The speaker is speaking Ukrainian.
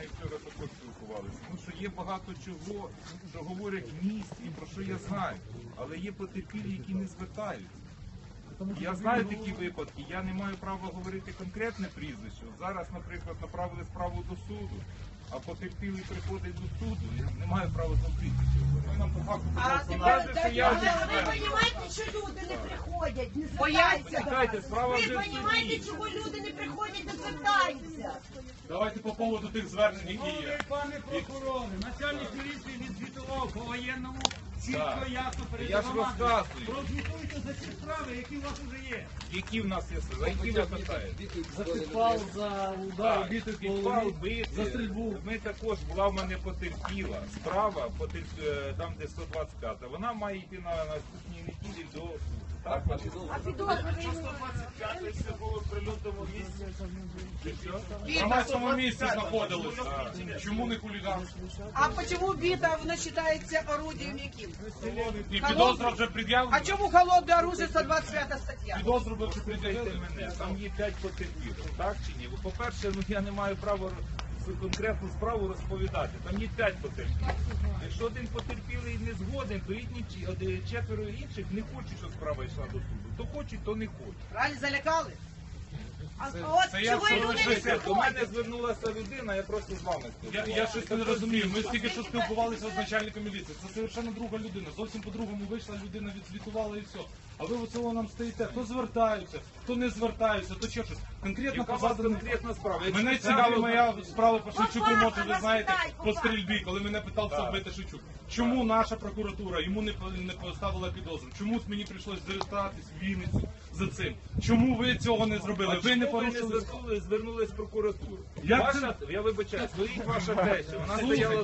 нею вчора також спілкувалися. Тому що є багато чого, що говорять в місті, про що я знаю. Але є потерпілі, які не звертаються. Я знаю такі випадки, я не маю права говорити конкретне прізвище. Зараз, наприклад, направили справу до суду, а потерпілий приходить до суду, я не маю права за прізвище говорити. Нам по факту каже, що я вже Ви розумієте, що люди не приходять, не звертаються до Чекайте, вас? справа вже Ви в розумієте, суді. чого люди не приходять, не звертаються? Давайте по поводу тих звернень, які є. Пане прокуроре, начальник міліції відзвітував по воєнному, чітко, Так. ясно перед Я ж громадою. розказую. Прозвітуйте за ці справи, які у вас вже є. Які в нас є, за які ви питаєте? За підпал, за удар, Так, бити по підпал, голові, бити. за стрільбу. Ми також, була в мене потерпіла справа, там де 125, вона має йти на наступній неділі до суду. Так, А підозрювані? це було в прильотному місці. Чи що? В громадському місці знаходилися. Чому не хуліганство? А почему бита, она считается орудием яким? І підозра вже пред'явлена. А чому холодное оружие 125 стаття? Підозру вже Слухайте пред'явлена. мене, там є 5 потерпілих, так чи ні? По-перше, я не маю права конкретну справу розповідати. Там є 5 потерпілих. Якщо один потерпілий не згоден, то четверо інших не хочуть, щоб справа йшла до суду. То хочуть, то не хочуть. Правильно залякали? А от це я чого що люди не лишився? До мене приходять? звернулася людина, я просто з вами спілкувався. Я щось не розумію. Ми тільки що спілкувалися з начальником міліції. Це совершенно друга людина. Зовсім по-другому вийшла людина, відзвітувала і все. А ви оцього нам стоїте. Хто звертаються, хто не звертаються, то ще щось. Конкретно Яка по у вас заданим. конкретна справа? Мене Якщо цікавить це- моя справа по Шевчуку, Попа, може ви знаєте, розглядай, по попа. стрільбі, коли мене питався Так. вбити Шевчук. Чому наша прокуратура йому не поставила підозру? Чому мені прийшлось звертатись в Вінницю за цим? Чому ви цього не зробили? Ви не порушили. звернулись в прокуратуру. Як Ваша, я вибачаю, стоїть ваша теща, вона Слухайте, стояла